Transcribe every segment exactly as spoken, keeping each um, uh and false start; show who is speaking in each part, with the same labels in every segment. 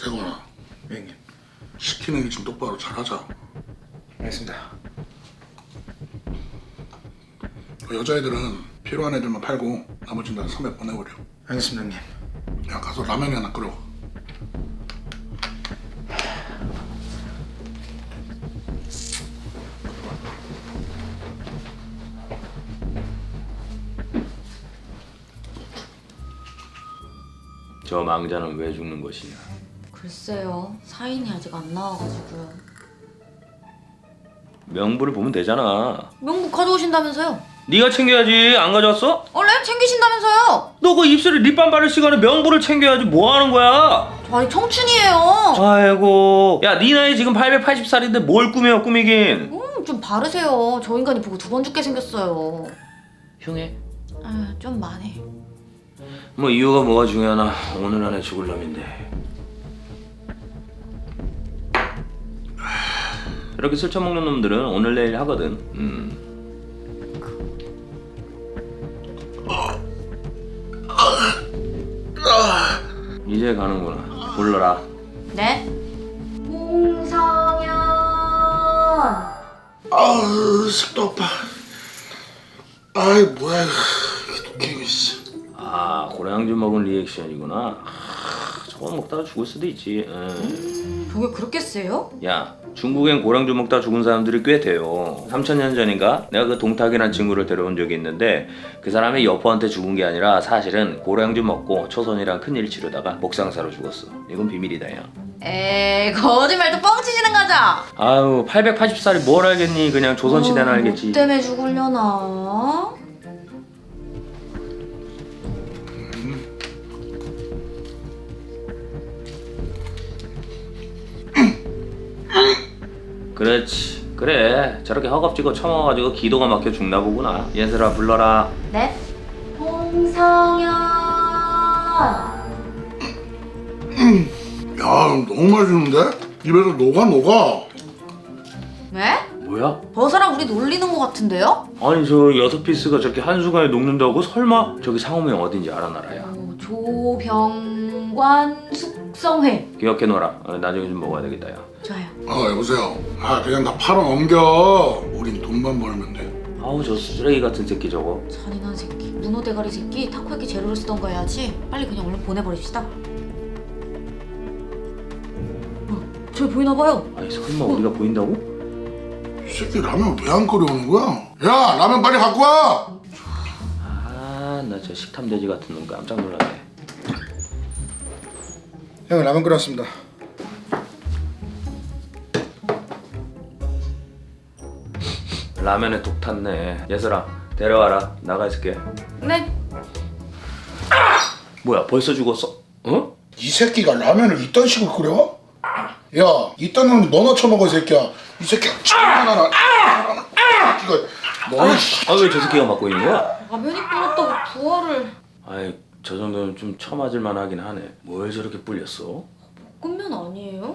Speaker 1: 세건아,
Speaker 2: 형님.
Speaker 1: 시키는 게 좀 똑바로 잘하자.
Speaker 2: 알겠습니다.
Speaker 1: 그 여자애들은 필요한 애들만 팔고 나머지는 다 섬에 보내버려.
Speaker 2: 알겠습니다, 형님.
Speaker 1: 야, 가서 라면이 하나 끓여.
Speaker 3: 저 망자는 왜 죽는 것이냐?
Speaker 4: 글쎄요. 사인이 아직 안 나와가지고요.
Speaker 3: 명부를 보면 되잖아.
Speaker 4: 명부 가져오신다면서요?
Speaker 3: 네가 챙겨야지. 안 가져왔어?
Speaker 4: 원래 챙기신다면서요?
Speaker 3: 너 그 입술에 립밤 바를 시간에 명부를 챙겨야지. 뭐 하는 거야?
Speaker 4: 저 아직 청춘이에요.
Speaker 3: 아이고. 야, 네 나이 지금 팔백팔십 살인데 뭘 꾸며 꾸미긴.
Speaker 4: 음, 좀 바르세요. 저 인간이 보고 두 번 죽게 생겼어요.
Speaker 3: 흉해?
Speaker 4: 아, 좀 많이.
Speaker 3: 뭐 이유가 뭐가 중요하나. 오늘 안에 죽을 놈인데. 이렇게 술 처먹는 놈들은 오늘 내일 하거든. 음. 이제 가는구나. 불러라.
Speaker 4: 네? 홍성현.
Speaker 1: 아우, 식도 아파. 아이, 뭐야, 이거. 독해, 씨.
Speaker 3: 아, 고량주 먹은 리액션이구나. 아, 저거 먹다가 죽을 수도 있지. 응.
Speaker 4: 음, 저게 그렇게 세요?
Speaker 3: 야, 중국엔 고량주 먹다 죽은 사람들이 꽤 돼요. 삼천 년 전인가 내가 그 동탁이란 친구를 데려온 적이 있는데 그 사람이 여포한테 죽은 게 아니라 사실은 고량주 먹고 초선이랑 큰일 치르다가 목상사로 죽었어. 이건 비밀이다, 야.
Speaker 4: 에이, 거짓말도 뻥치시는 거죠?
Speaker 3: 아유, 팔백팔십 살이 뭘 알겠니. 그냥 조선시대나
Speaker 4: 어,
Speaker 3: 알겠지.
Speaker 4: 뭐 때문에 죽으려나?
Speaker 3: 그렇지. 그래, 저렇게 허겁지겁 처먹어가지고 기도가 막혀 죽나 보구나. 얘들아, 불러라.
Speaker 4: 네? 홍성현.
Speaker 1: 야, 너무 맛있는데? 입에서 녹아, 녹아.
Speaker 4: 네?
Speaker 3: 뭐야?
Speaker 4: 버사랑 우리 놀리는 것 같은데요?
Speaker 3: 아니, 저 여섯 피스가 저렇게 한순간에 녹는다고? 설마? 저기 상호명 어딘지 알아, 나라야?
Speaker 4: 어, 조병관 숙성회.
Speaker 3: 기억해놓아라. 어, 나중에 좀 먹어야 되겠다, 야.
Speaker 4: 좋아요.
Speaker 1: 아, 여보세요. 아, 그냥 다 팔아 넘겨. 우린 돈만 벌면 돼.
Speaker 3: 아우, 저 쓰레기 같은 새끼 저거.
Speaker 4: 잔인한 새끼. 문어 대가리 새끼. 타코야키 재료를 쓰던가 해야지. 빨리 그냥 얼른 보내버립시다. 어, 저기 보이나봐요.
Speaker 3: 아니, 설마 우리가 보인다고?
Speaker 1: 이 새끼 라면 왜 안 끓여오는 거야? 야, 라면 빨리 갖고 와!
Speaker 3: 아, 나 저 식탐돼지 같은 놈 깜짝 놀랐네.
Speaker 2: 형, 라면 끓였습니다.
Speaker 3: 라면에 독 탔네. 예슬아, 데려와라. 나가 있을게.
Speaker 4: 네.
Speaker 3: 뭐야, 벌써 죽었어? 어?
Speaker 1: 이 새끼가 라면을 이딴 식으로 끓여? 야, 이딴 놈 너나 처먹어, 이 새끼야. 이 새끼야, 하나나. 이거, 너는 씨.
Speaker 3: 아, 왜 저 새끼가 맡고 있는 거야?
Speaker 4: 라면이 끓었다고 부활을.
Speaker 3: 아이, 저 정도는 좀 처맞을 만하긴 하네. 뭘 저렇게 불렸어?
Speaker 4: 볶음면 아니에요?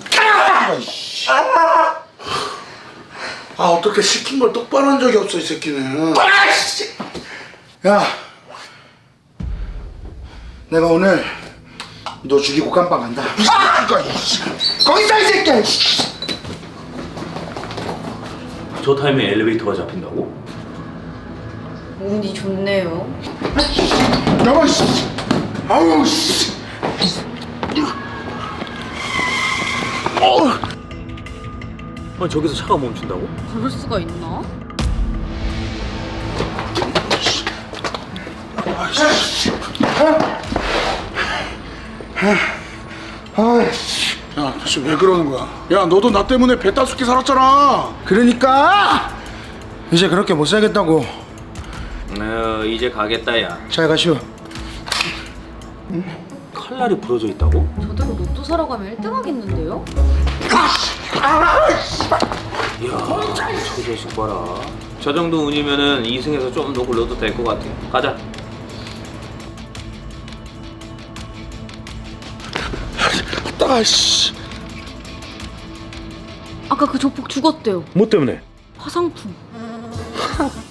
Speaker 1: 아, 어떻게 시킨 걸 똑바로 한 적이 없어, 이 새끼는.
Speaker 2: 야, 내가 오늘 너 죽이고 깜빵 간다. 거기서 이 새끼야.
Speaker 3: 저 타임에 엘리베이터가 잡힌다고?
Speaker 4: 운이 좋네요.
Speaker 1: 야마, 씨. 아우, 씨.
Speaker 3: 아니, 저기서 차가 멈춘다고?
Speaker 4: 그럴 수가 있나?
Speaker 1: 야, 대체 왜 그러는 거야? 야, 너도 나 때문에 배 따숩게 살았잖아.
Speaker 2: 그러니까 이제 그렇게 못 살겠다고.
Speaker 3: 어, 이제 가겠다, 야.
Speaker 2: 잘 가시오.
Speaker 3: 칼날이 부러져 있다고?
Speaker 4: 저대로 로또 사러 가면 일 등 하겠는데요?
Speaker 3: 이야, 저 자식 봐라. 저 정도 운이면은 이 승에서 좀 더 굴러도 될 것 같아. 가자.
Speaker 1: 따, 씨.
Speaker 4: 아까 그 조폭 죽었대요.
Speaker 3: 뭐 때문에?
Speaker 4: 화상품.